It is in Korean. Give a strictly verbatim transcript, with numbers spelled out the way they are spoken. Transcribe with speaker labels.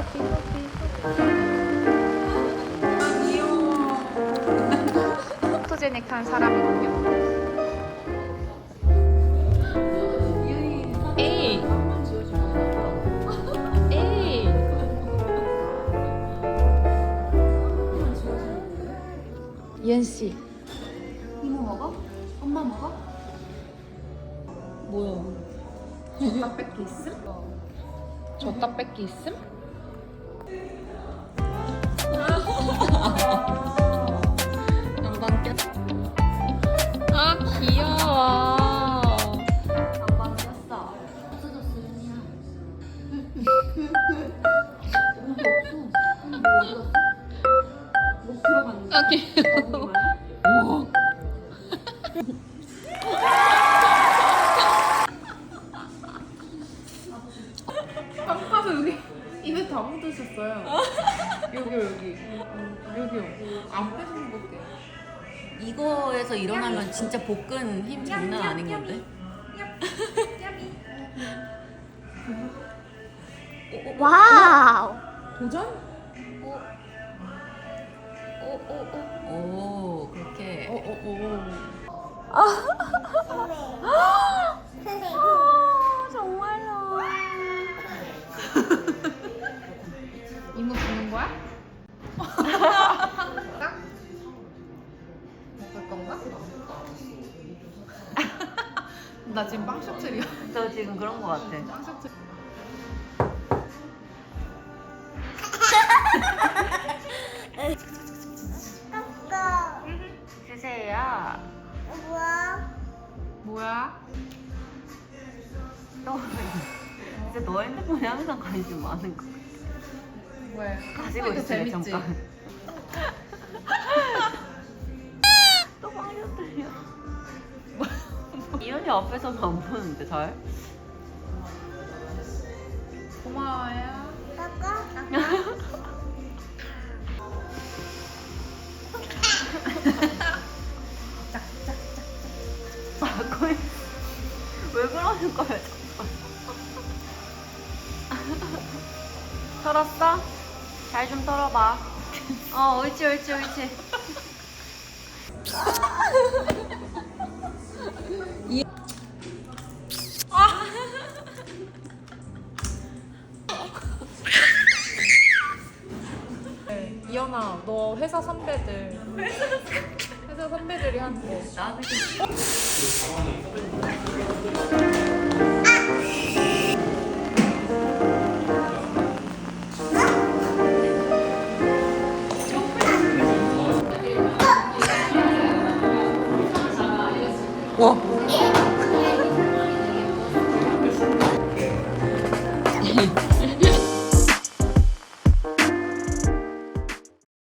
Speaker 1: 포토제닉한 사람이군요. 에이, 에이. 이현 씨.
Speaker 2: 이모 먹어? 엄마 먹어?
Speaker 1: 뭐야?
Speaker 2: 나 뺏기 있음?
Speaker 1: 줬다 뺏기 있음? 양반 꼈. 아 귀여워.
Speaker 2: 양반 꼈어. 없어졌어, 윤이야. 뭔가 없어. 뭐 어디 갔어? 목 들어갔는데.
Speaker 1: 아 귀여워.
Speaker 2: 빵파서 여기 입에 다 묻으셨어요. 여기요, 여기. 여기요. 안 빼주는 것게.
Speaker 3: 이거에서 일어나면 진짜 복근 힘 장난 아닌 건데?
Speaker 1: 와우.
Speaker 2: 도전?
Speaker 3: 오, 그렇게.
Speaker 2: 어, 어, 어.
Speaker 1: 정말요.
Speaker 2: 이모 주는 거야? 먹을 건가? 나 지금 빵 셔틀이야.
Speaker 3: 저 지금 그런 거 같아.
Speaker 2: 빵 셔틀.
Speaker 3: 주세요.
Speaker 2: 뭐야?
Speaker 3: 너, 진짜 너 핸드폰에 항상 관심 많은 거 같아.
Speaker 2: 왜?
Speaker 3: 가지고
Speaker 2: 이거
Speaker 3: 있어요,
Speaker 2: 재밌지?
Speaker 3: 잠깐. 또 방해들려. 이현이 앞에서는 안 보는데 잘?
Speaker 2: 고마워요.
Speaker 3: 아, 거의 왜 그러는 거야? 털었어? 잘 좀 털어봐. 어, 옳지, 옳지, 옳지.
Speaker 2: 네, 이현아, 너 회사 선배들. 회사 선배들이 한테.
Speaker 3: 나는
Speaker 1: 와.